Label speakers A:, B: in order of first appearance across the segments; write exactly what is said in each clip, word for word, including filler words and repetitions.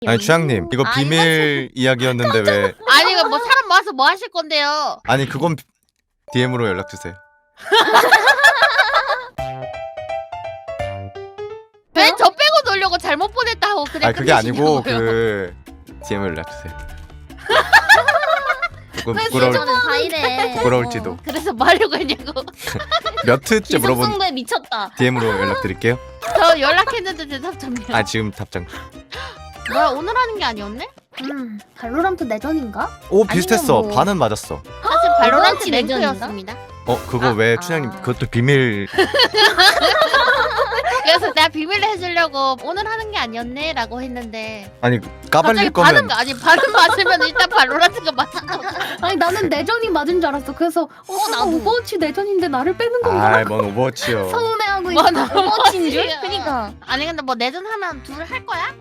A: 아니 추양님 이거
B: 아,
A: 비밀 이야기였는데 왜
B: 아니 이거 뭐 사람 모아서 뭐 하실 건데요?
A: 아니 그건 디엠으로 연락주세요.
B: 왜 저 빼고 놀려고 잘못 보냈다고 그래.
A: 아니 그게 아니고
B: 끝내시냐고요.
A: 그 디엠을 연락주세요. 조금
C: 왜
A: 부끄러울,
C: 저는 다 이래.
A: 부끄러울지도.
B: 그래서 뭐 하려고 했냐고.
A: 몇 트째 물어본
C: 기성성도에 미쳤다.
A: 디엠으로 연락드릴게요.
B: 저 연락했는데 대답 좀요.
A: 아 지금 답장.
B: 뭐야 오늘 하는 게 아니었네?
C: 음, 발로란트 내전인가?
A: 오 비슷했어.
C: 아니면 뭐-
A: 반은 맞았어.
B: 사실 발로란트
C: 이번엔
B: 랭크였습니다.
A: 어 그거
C: 아,
A: 왜
C: 아.
A: 춘향님 그것도 비밀.
B: 그래서 내가 비밀로 해주려고 오늘 하는 게 아니었네 라고 했는데
A: 아니
B: 갑자기
A: 까발릴
B: 반응
A: 거면
B: 아니 반응 맞으면 일단 발로란트가 맞은 거.
D: 아니 나는 내전이 맞은 줄 알았어. 그래서 어, 어
C: 나도.
D: 오버워치 내전인데 나를 빼는 건가?
A: 아뭔 오버워치요.
D: 서운해하고
B: 뭐
D: 있어.
B: 나
C: 오버워치인 줄?
B: 오버워치야.
C: 그니까.
B: 아니 근데 뭐 내전 하면 둘 할 거야?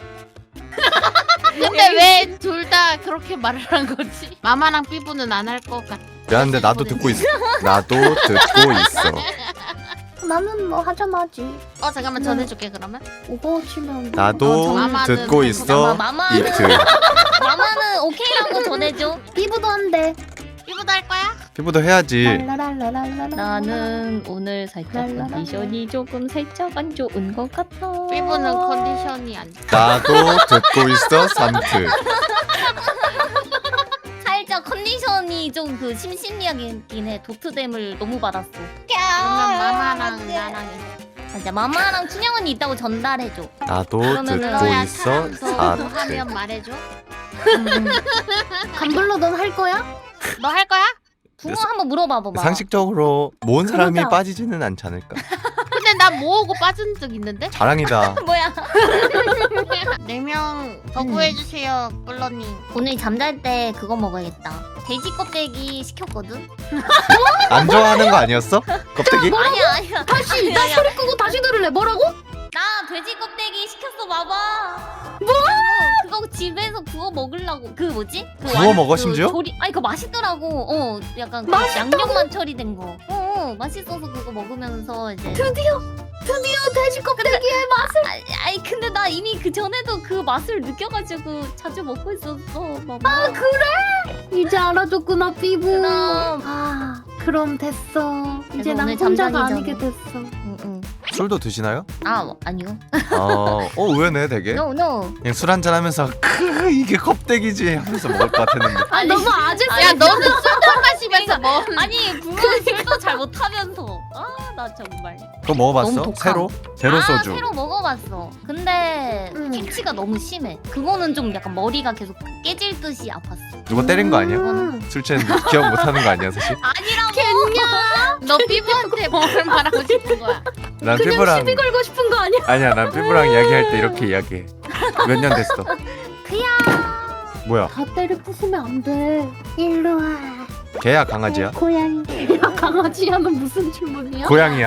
B: 근데 왜 둘 다 그렇게 말을 한 거지? 마마랑 삐부는 안 할 것 같아.
A: 미안한데 나도 듣고 있어. 나도 듣고 있어.
D: 나는 뭐 하자마지.
B: 어 잠깐만
D: 네.
B: 전해줄게 그러면.
D: 오버워치면
A: 나도
B: 어, 마마는
A: 듣고
B: 뭐-
A: 있어.
C: 마마는
A: 이트.
C: 마마는 오케이라고 전해줘.
D: 피부도 한대.
B: 삐부도 할 거야?
A: 피부도 해야지.
D: 랄라랄라랄라라.
E: 나는 오늘 살짝
D: 랄라랄라.
E: 컨디션이 조금 살짝 안 좋은 것 같아.
B: 삐부는 컨디션이 안 좋아.
A: 나도 듣고 있어. 삼 트.
C: 살짝 컨디션이 좀 그 심심리하긴 해. 도트댐을 너무 받았어.
B: 그러면 마마랑 나랑 해.
C: 맞아, 마마랑 춘향 언니 있다고 전달해줘.
A: 나도
C: 그러면은
A: 듣고
B: 너야
A: 있어.
B: 사람
A: 사
B: 더
A: 트.
B: 하면 말해줘.
D: 간불로 넌 할 거야?
B: 너 할 거야?
C: 붕어 한번 물어봐봐봐.
A: 상식적으로 모은 사람이
D: 그러자.
A: 빠지지는 않지 않을까.
B: 근데 나 모으고 빠진 적 있는데?
A: 자랑이다.
C: 뭐야?
B: 네 명 더
C: 음.
B: 구해주세요 꿀러님.
C: 오늘 잠잘 때 그거 먹어야겠다. 돼지 껍데기 시켰거든?
A: 안 좋아하는 거 아니었어? 껍데기?
C: 아니야, 아니야.
D: 다시 나
C: 아니야.
D: 소리 끄고 다시 들을래. 뭐라고?
C: 나 돼지 껍데기 시켰어, 봐봐. 뭐? 그거 집에서 구워 먹으려고. 그 뭐지? 그
A: 구워
C: 완-
A: 먹어,
C: 그
A: 심지어?
C: 조리... 아니 그거 맛있더라고. 어, 약간 그
D: 맛있다고?
C: 양념만 처리된 거. 어, 어, 맛있어서 그거 먹으면서 이제.
D: 드디어 드디어 돼지 껍데기의 맛을.
C: 아니, 아니 근데 나 이미 그 전에도 그 맛을 느껴가지고 자주 먹고 있었어, 마마.
D: 아 그래? 이제 알아줬구나 피부.
C: 그럼.
D: 아 그럼 됐어. 이제
C: 그래서
D: 난
C: 오늘
D: 혼자가
C: 잠자기
D: 아니게
C: 전에.
D: 됐어.
C: 응, 응.
A: 술도 드시나요?
C: 아 아니요.
A: 어, 어 의외네 되게.
C: No no.
A: 그냥 술 한잔 하면서 크 이게 껍데기지 하면서 먹을 것 같았는데.
D: 아
C: 아니,
D: 너무 아재.
B: 야 너는 술도 마시면서 뭐?
C: 아니 붕어는 술도 잘 못하면서. 아 나 정말.
A: 그거 먹어봤어?
C: 너무 독한.
A: 새로? 제로
C: 아,
A: 소주.
C: 새로 먹어봤어. 근데
D: 음.
C: 기치가 너무 심해. 그거는 좀 약간 머리가 계속 깨질 듯이 아팠어.
A: 누가 때린 거 아니야?
D: 음.
A: 술 취했는데 기억 못하는 거 아니야 사실?
C: 아니라고.
B: 너 삐부한테 뭘 말하고 싶은 거야?
A: 난
D: 그냥
A: 피부랑
D: 시비 걸고 싶은 거 아니야?
A: 아니야 난 피부랑 이야기할 때 이렇게 이야기해. 몇 년 됐어? 뭐야?
D: 다 때려 부수면 안 돼. 일로 와.
A: 개야 강아지야?
D: 고양이. 야, 강아지야는 무슨 질문이야?
A: 고양이야?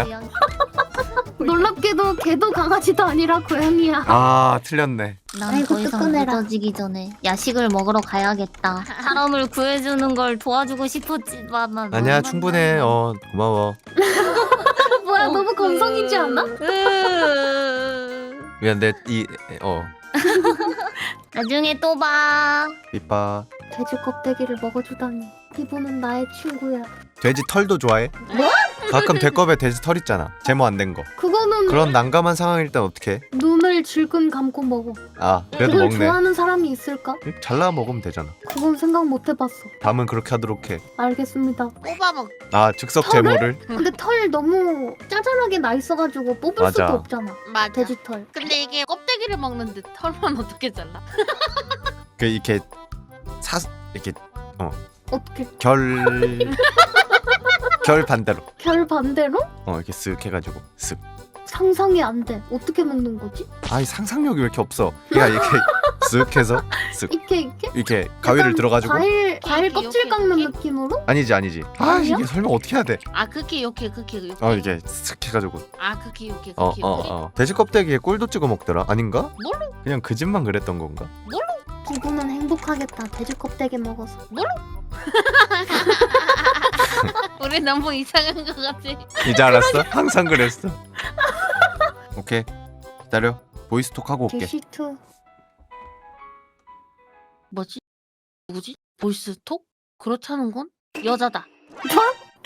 D: 놀랍게도 개도 강아지도 아니라 고양이야.
A: 아 틀렸네.
C: 난
D: 아이고,
C: 더 이상
D: 뜨끈해라.
C: 늦어지기 전에 야식을 먹으러 가야겠다. 사람을 구해주는 걸 도와주고 싶었지만 나
A: 아니야
C: 너무
A: 충분해. 어 고마워.
D: 뭐야
C: 어,
D: 너무 감성이지 않아?
C: 으...
A: 미안 내이어
C: 나중에 또 봐.
A: 이빠.
D: 돼지 껍데기를 먹어주다니. 피부는 나의 친구야.
A: 돼지 털도 좋아해?
D: 뭐?
A: 가끔 돼껍에 돼지 털 있잖아. 제모 안 된 거.
D: 그거는
A: 그런 난감한 상황일 땐 어떻게?
D: 눈을 질끈 감고 먹어.
A: 아 그래도
D: 그걸
A: 먹네.
D: 좋아하는 사람이 있을까?
A: 잘라 먹으면 되잖아.
D: 그건 생각 못 해봤어.
A: 다음은 그렇게 하도록 해.
D: 알겠습니다.
B: 뽑아먹.
A: 아 즉석
D: 털을?
A: 제모를?
D: 근데 털 너무 짜잘하게 나 있어가지고 뽑을
A: 맞아.
D: 수도 없잖아.
B: 맞아.
D: 돼지 털.
B: 근데 이게 껍데기를 먹는데 털만 어떻게 잘라?
A: 그 이렇게 사 이렇게
D: 어떻게?
A: 결... 결 반대로
D: 결 반대로?
A: 어 이렇게 쓱 해가지고 쓱.
D: 상상이 안 돼. 어떻게 먹는 거지?
A: 아이 상상력이 왜 이렇게 없어. 얘가 이렇게 쓱 해서 쓱
D: 이렇게 이렇게?
A: 이렇게 가위를
D: 약간
A: 들어가지고
D: 과일 과일
B: 이렇게,
D: 껍질
B: 이렇게,
D: 깎는
B: 이렇게?
D: 느낌으로?
A: 아니지 아니지. 아
D: 아니야?
A: 이게 설명 어떻게 해야 돼?
B: 아 그렇게 요렇게 그렇게 이렇게.
A: 어 이게 쓱 해가지고
B: 아 그렇게 요렇게
A: 어
B: 그렇게
A: 어
B: 요렇게.
A: 어 돼지 껍데기에 꿀도 찍어 먹더라. 아닌가?
B: 뭘로?
A: 그냥 그 집만 그랬던 건가?
D: 피부는 행복하겠다. 돼지 껍데기 먹어서.
B: 우리 너무 이상한 것 같아.
A: 이제 알았어? 항상 그랬어. 오케이 기다려. 보이스톡 하고 올게.
D: 게시투.
B: 뭐지? 누구지? 보이스톡? 그렇다는 건 여자다.
D: 뭐?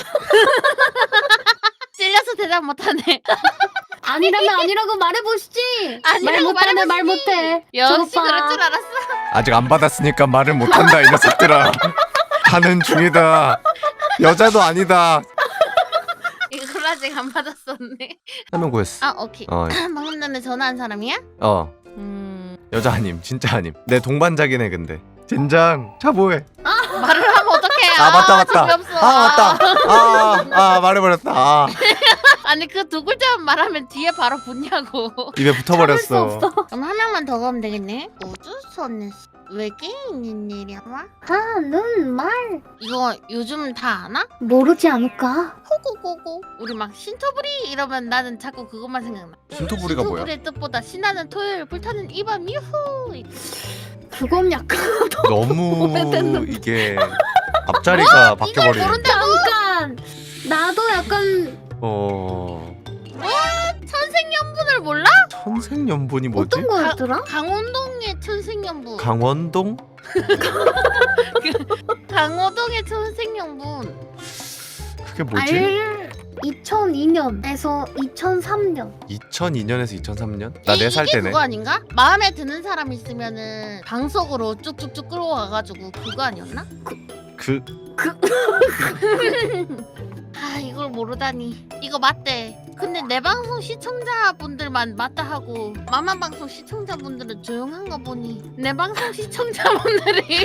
B: 찔려서 대답 못하네.
D: 아니라면 아니라고 말해보시지.
B: 아니라고
D: 말 못하네, 말
B: 말해보시지.
D: 못해.
B: 역시
D: 저 오빠.
B: 그럴 줄 알았어.
A: 아직 안 받았으니까 말을 못한다 이 녀석들아. 하는 중이다. 여자도 아니다.
B: 이걸 아직 안 받았었네.
A: 한 명 구했어.
B: 아 오케이.
A: 어,
B: 방금 전에 전화한 사람이야?
A: 어
B: 음
A: 여자 아님 진짜 아님. 내 동반자긴 해 근데. 젠장 차보해.
B: 말을 하면 어떡해?
A: 아 맞다 맞다.
B: 재미없어.
A: 아 맞다. 아, 아 말해버렸다. 아,
B: 아니 그 두 글자만 말하면 뒤에 바로 붙냐고.
A: 입에
D: 참을 수
A: 붙어버렸어.
D: 없어.
B: 그럼 한 명만 더 가면 되겠네. 우주선에 외계인인 일이야?
D: 하는 말
B: 이거 요즘 다 아나?
D: 모르지 않을까?
B: 호고고고. 우리 막 신토부리 이러면 나는 자꾸 그것만 생각나.
A: 신토부리가 뭐야?
B: 신토부리의 뜻보다 신나는 토요일 불타는 이밤 유후.
D: 그건 약간
A: 너무
D: 오래됐는데.
A: 이게 앞자리가
B: 이걸
A: 바뀌어버리네.
B: 모른다고?
D: 잠깐. 나도 약간
A: 어
B: 천생연분을 몰라?
A: 천생연분이 뭐지?
D: 어떤 거였더라?
B: 강원동의 천생연분.
A: 강원동?
B: 강호동의 천생연분.
A: 그게 뭐지?
D: 알 이천이 년에서 이천삼 년.
A: 이천이 년에서 이천삼 년? 나
B: 이-
A: 네 살
B: 이게
A: 때네.
B: 그거 아닌가? 마음에 드는 사람 있으면은 방석으로 쭉쭉쭉 끌어와가지고 그거 아니었나?
A: 그
B: 아 이걸 모르다니. 이거 맞대. 근데 내 방송 시청자분들만 맞다 하고 마마 방송 시청자분들은 조용한 거 보니 내 방송 시청자분들이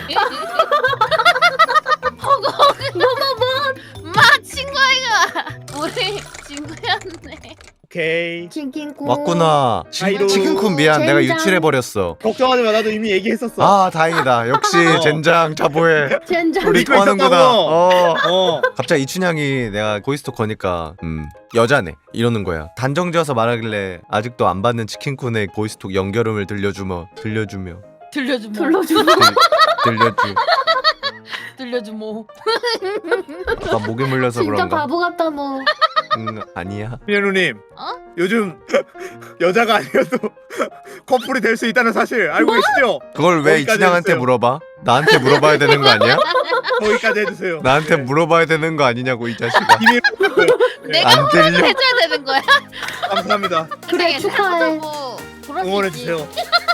B: 허거 뭐뭐뭐 마 친구아이가 우리 친구였네.
F: 오케이.
D: 치킨국.
A: 왔구나.
F: 아이로.
A: 치킨쿤 미안. 내가
D: 젠장.
A: 유출해버렸어.
F: 걱정하지 마. 나도 이미 얘기했었어.
A: 아 다행이다. 역시
F: 어.
A: 젠장 자보해.
D: 젠장.
A: 우리
F: 믿고
A: 통하는구나.
F: 있었다고.
A: 어.
F: 어.
A: 갑자기 이춘향이 내가 보이스톡 거니까 음 여자네 이러는 거야. 단정지어서 말하길래 아직도 안 받는 치킨쿤의 보이스톡 연결음을 들려주며 들려주며
B: 들려주모.
D: 불러주고.
A: 들, 들려주.
B: 들려주모.
A: 나 목에 물려서
D: 진짜
A: 그런가?
D: 바보 같다 너.
A: 응 아니야.
F: 민현우님.
B: 어?
F: 요즘 여자가 아니어도 커플이 될 수 있다는 사실 알고 계시죠?
A: 그걸 왜
F: 거기까지
A: 이춘향한테
F: 해주세요.
A: 물어봐? 나한테 물어봐야 되는 거 아니야?
F: 거기까지 해주세요.
A: 나한테 물어봐야 되는 거 아니냐고 이 자식아.
F: 비밀.
B: 내가
A: 안 들려?
B: 해줘야 되는 거야?
F: 감사합니다.
D: 그래, 축하해.
B: 뭐 그럴 수 있지.
F: 응원해주세요.